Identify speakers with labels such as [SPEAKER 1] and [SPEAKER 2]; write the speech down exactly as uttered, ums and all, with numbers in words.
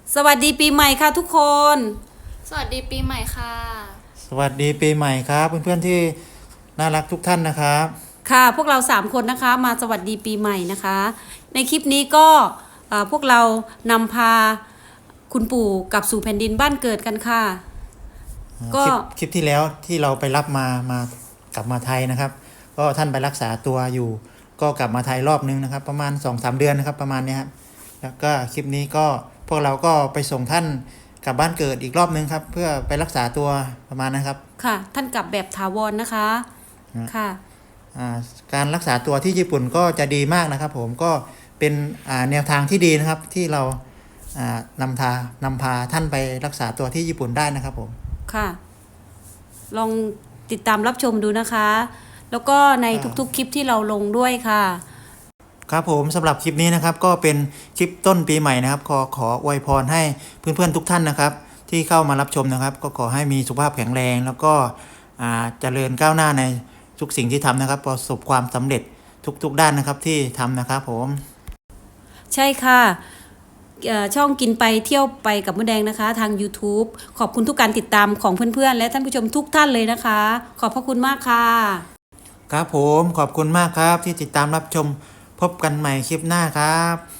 [SPEAKER 1] สวัสดีปีใหม่ค่ะทุกคน
[SPEAKER 2] สวัสดีปีใหม่ค่ะ
[SPEAKER 3] สวัสดีปีใหม่ครับเพื่อนๆที่น่ารักทุกท่านนะครับ
[SPEAKER 1] ค่ะพวกเราสามคนนะคะมาสวัสดีปีใหม่นะคะ ในคลิปนี้ก็เอ่อพวกเรานำพาคุณปู่กลับสู่แผ่นดินบ้านเกิดกันค่ะ ก็
[SPEAKER 3] คลิปคลิปที่แล้วที่เราไปรับมามากลับมาไทยนะครับ ก็ท่านไปรักษาตัวอยู่ ก็กลับมาไทยรอบนึงนะครับ ประมาณ สองสาม เดือนนะครับประมาณนี้ครับแล้วก็คลิปนี้ก็พวกเราก็ไปส่งท่านกลับบ้านเกิดอีกรอบนึงครับเพื่อไปรักษาตัวประมาณนะครับ
[SPEAKER 1] ค่ะท่านกลับแบบถาวรนะคะค่ะ
[SPEAKER 3] การรักษาตัวที่ญี่ปุ่นก็จะดีมากนะครับผมก็เป็นแนวทางที่ดีนะครับที่เรานำทานำพาท่านไปรักษาตัวที่ญี่ปุ่นได้นะครับผม
[SPEAKER 1] ค่ะ ลองติดตามรับชมดูนะคะ แล้วก็ในทุกๆคลิปที่เราลงด้วยค่ะ
[SPEAKER 3] ครับผมสำหรับคลิปนี้นะครับก็เป็นคลิปต้นปีใหม่นะครับขอขออวยพรให้เพื่อนๆทุกท่านนะครับที่เข้ามารับชมนะครับก็ขอให้มีสุขภาพแข็งแรงแล้วก็เจริญก้าวหน้าในทุกสิ่งที่ทำนะครับประสบความสำเร็จทุกๆด้านนะครับที่ทำนะครับผม
[SPEAKER 1] ใช่ค่ะช่องกินไปเที่ยวไปกับมดแดงนะคะทาง YouTube ขอบคุณทุกการติดตามของเพื่อนๆและท่านผู้ชมทุกท่านเลยนะคะ ขอบพระคุณมากค่ะ
[SPEAKER 3] ครับผมขอบคุณมากครับที่ติดตามรับชมพบกันใหม่คลิปหน้าครับ